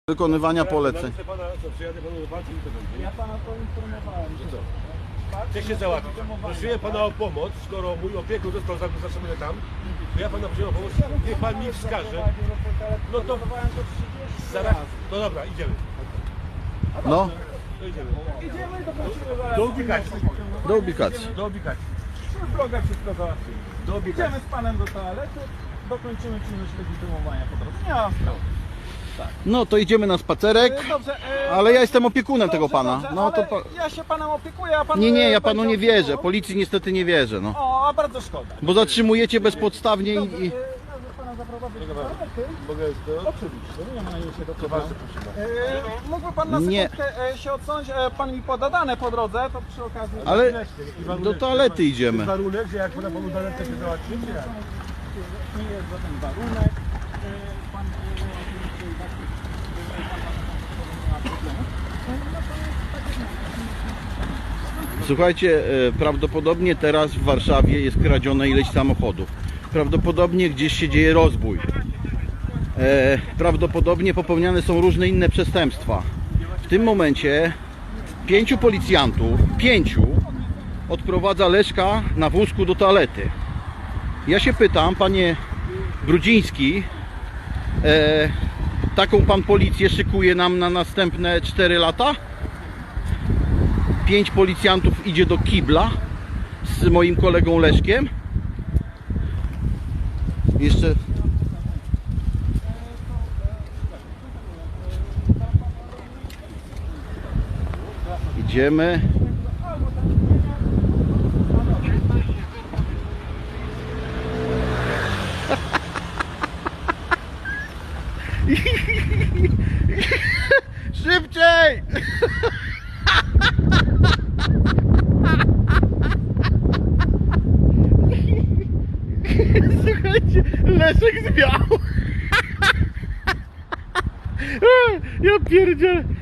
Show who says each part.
Speaker 1: Wykonywania poleceń.
Speaker 2: Ja pana poinformowałem, że co?
Speaker 3: Chcę się załatwić. Prosiłem pana o pomoc, skoro mój opiekun został zatrzymany tam, to ja pana prosiłem o pomoc, niech pan mi wskaże. No to zaraz. No dobra, idziemy.
Speaker 1: No,
Speaker 3: To idziemy.
Speaker 2: Idziemy i dokończymy zaraz.
Speaker 3: Do ubikacji.
Speaker 1: do ubikacji.
Speaker 3: Do ubikacji.
Speaker 2: Przy drogę wszystko załatwimy.
Speaker 3: Do ubikacji.
Speaker 2: Idziemy z panem do toalety, dokończymy czynność legitymowania po drodze. Nie ma sprawy.
Speaker 1: No to idziemy na spacerek,
Speaker 2: Dobrze,
Speaker 1: ale ja jestem opiekunem tego
Speaker 2: dobrze,
Speaker 1: pana.
Speaker 2: dobrze,
Speaker 1: No to
Speaker 2: ale ja się panem opiekuję, a pan...
Speaker 1: nie, ja panu
Speaker 2: będzie
Speaker 1: nie wierzę.
Speaker 2: opiekował?
Speaker 1: Policji niestety nie wierzę, no.
Speaker 2: O, a bardzo szkoda.
Speaker 1: Bo zatrzymujecie bezpodstawnie
Speaker 2: Dobrze,
Speaker 1: i...
Speaker 2: mogę pana zaprowadzić do toalety?
Speaker 3: Mogę to?
Speaker 2: Oczywiście, nie ma się do
Speaker 3: To
Speaker 2: tego.
Speaker 3: bardzo proszę.
Speaker 2: Mógłby pan na
Speaker 1: Nie.
Speaker 2: sekundkę się odsunąć, pan mi poda dane po drodze, to przy okazji...
Speaker 1: Ale do toalety idziemy.
Speaker 3: Jest warunek, że jak pana panu zalecę się załatwić, czy jak?
Speaker 2: Nie jest żaden warunek. Pan oczywiście i tak
Speaker 1: Słuchajcie, prawdopodobnie teraz w Warszawie jest kradzione ileś samochodów. Prawdopodobnie gdzieś się dzieje rozbój. Prawdopodobnie popełniane są różne inne przestępstwa. W tym momencie 5 policjantów, 5 odprowadza Leszka na wózku do toalety. Ja się pytam, panie Brudziński, taką pan policję szykuje nam na następne 4 lata? 5 policjantów idzie do kibla z moim kolegą Leszkiem. Jeszcze idziemy. Szybciej! Słuchajcie, Leszek zwiał. Ja pierdzielę.